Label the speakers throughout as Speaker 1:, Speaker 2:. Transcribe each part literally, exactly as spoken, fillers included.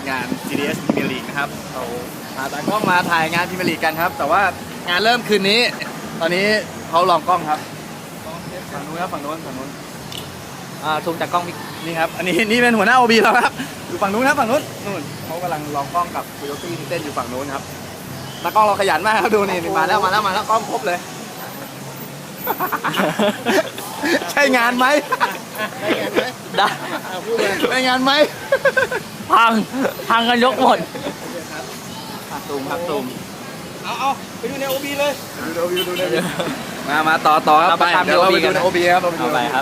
Speaker 1: งาน จี ดี เอส Premier League นะครับเราพาตากล้องมาถ่ายงาน Premier League กันครับแต่ว่างานเริ่มคืนนี้ตอนนี้เขาลองกล้องครับฝั่งนู้นครับฝั่งนู้นฝั่งนู้น
Speaker 2: อ่าซูมจากกล้องพี่
Speaker 1: นี่ครับอันนี้นี่เป็นหัวหน้า โอ บี เราครับอยู่ฝั่งนู้นครับฝั่งนู้นนู่นเขากำลังลองกล้องกับโคโยตี้ที่เต้นอยู่ฝั่งนู้นครับตากล้องเราขยันมากครับดูนี่มาแล้วมาแล้วมาแล้วกล้องครบเลย ใช่งานไหม
Speaker 2: ได้
Speaker 1: ใช่งานไหม
Speaker 2: พังพังกันยกหมด
Speaker 1: ตูมครับตูม
Speaker 3: เอาเอาไปดูในโอบีเลย
Speaker 1: ดูดูดูดูมามาต่อต่อครับ
Speaker 2: เรา
Speaker 1: ไป
Speaker 2: ไปตาม
Speaker 1: เดี๋ยวเราไป
Speaker 2: โอ บีกัน
Speaker 1: ดูใน
Speaker 2: นะ
Speaker 1: โอบีครับเราไปดู
Speaker 2: เอาไปครับ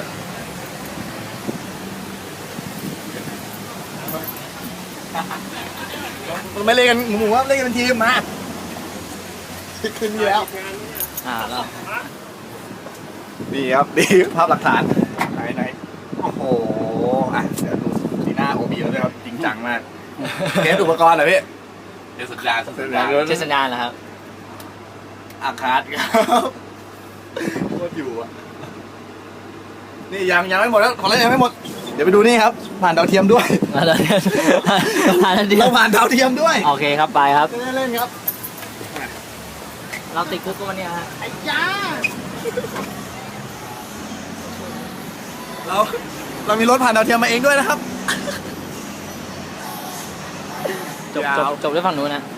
Speaker 1: มันไม่เล่นกันหมู่ๆครับเล่นกันเป็นทีมมาขึ้นนี่แล้ว
Speaker 2: อ่าแล้ว
Speaker 1: นี่ครับนี่ภาพหลักฐานไหนไหนโอ้โหอ่ะเดี๋ยวดูสีหน้าโอบีแล้วด้วยครับจริงจังมากเทสอุปกรณ์เหรอพี่
Speaker 3: เดี๋ยวสัญญาณสัญญาณ
Speaker 2: เจสัญญาณเหรอครับ
Speaker 1: อาคาดครับโคตรอยู่อ่ะนี่ยังยังไม่หมดแล้วของเล่นยังไม่หมดเดี๋ยวไปดูนี่ครับผ่านดาวเทียมด้วย
Speaker 2: มาเลยผ่านแล้วดิ
Speaker 1: เราผ่านดาวเทียมด้วย
Speaker 2: โอเคครับไปครับ
Speaker 1: จะได้เล่นครับ
Speaker 2: เราติดคุกกันวันนี้ฮะ
Speaker 1: ไอ้ยาเราเรามีรถผ่านดาวเทียมมาเองด้วยนะครับ
Speaker 2: จบจบจบด้วยฝั่งนู้นนะ